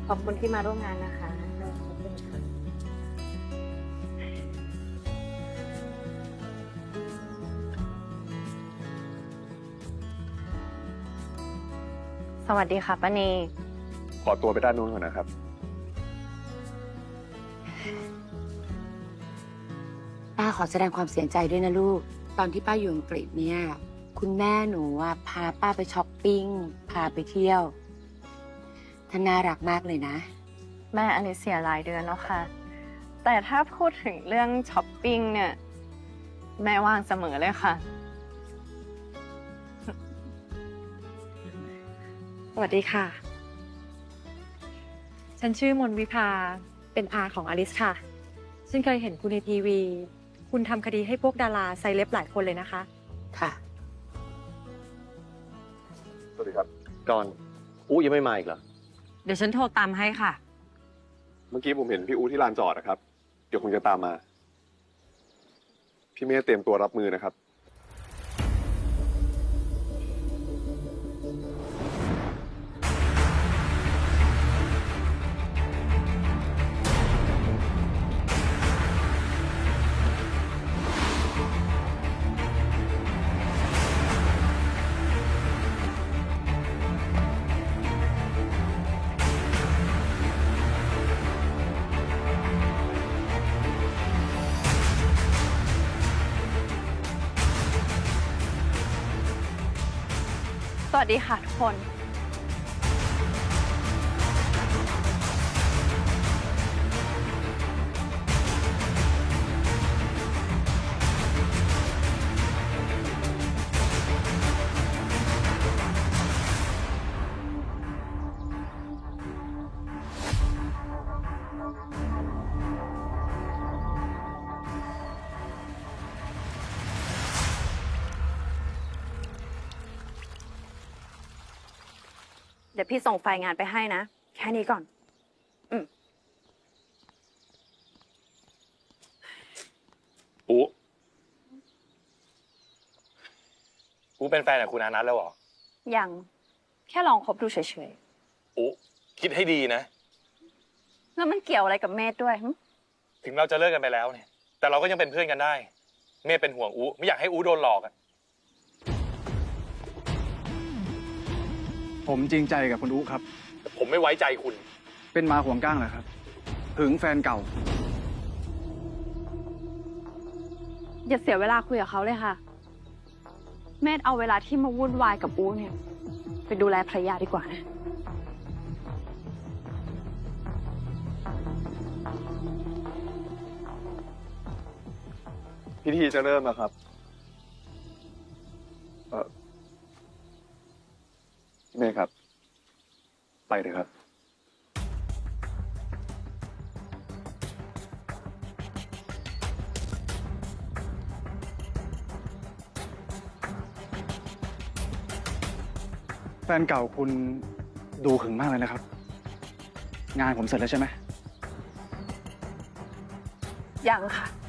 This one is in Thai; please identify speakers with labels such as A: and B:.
A: อบคุณที่มาร่วมงานนะคะ สวัสดีค่ะป้านี
B: ขอตัวไปด้านนู้นก่อนนะครับ
C: ป้าขอแสดงความเสียใจด้วยนะลูก ตอนที่ป้าอยู่อังกฤษเนี่ย คุณแม่หนูพาป้าไปช้อปปิ้ง พาไปเที่ยวท่านน่ารักมากเลยนะ
A: แม่อันนี้เสียหลายเดือนแล้วค่ะ แต่ถ้าพูดถึงเรื่องช้อปปิ้งเนี่ย แม่ว่างเสมอเลยค่ะ
D: สวัสดีค่ะ ฉันชื่อมนวิภา เป็นอาของอลิสค่ะ ฉันเคยเห็นคุณในทีวี คุณทำคดีให้พวกดาราไซเลบหลายคนเลยนะคะ
C: ค่ะ
B: สวัสดีครับ
E: ก่อนยังไม่มาอีกเหรอ
D: เดี๋ยวฉันโทรตามให้ค่ะ
B: เมื่อกี้ผมเห็นพี่อูที่ลานจอดนะครับ เดี๋ยวคงจะตามมา พี่เมย์เตรียมตัวรับมือนะครับ
A: สวัสดีค่ะทุกคน เดี๋ยวพี่ส่งไฟล์งานไปให้นะ แค่นี้ก่อน
E: อูเป็นแฟนกับคุณอานัทแล้วเหรอ
A: ยัง แค่ลองคบดูเฉย
E: อูคิดให้ดีนะ
A: ๆ แล้วมันเกี่ยวอะไรกับเมธด้วยหึ
E: ถึงเราจะเลิกกันไปแล้วเนี่ย แต่เราก็ยังเป็นเพื่อนกันได้ เมย์เป็นห่วงอูไม่อยากให้อูโดนหลอกอะ
F: ผมจริงใจกับคุณอุ๊ครับ
E: ผมไม่ไว้ใจคุณ
F: เป็นมาห่วงก้างเหรอครับ หึงแฟนเก่า
A: อย่าเสียเวลาคุยกับเขาเลยค่ะ เมธเอาเวลาที่มาวุ่นวายกับอูเนี่ย ไปดูแลภรรยาดีกว่านะ
B: พิธีจะเริ่มแล้วครับ พี่เมย์ครับ ไปเลยครับ
F: แฟนเก่าคุณดูหึงมากเลยนะครับ งานผมเสร็จแล้วใช่ไหม
A: ยังค่ะ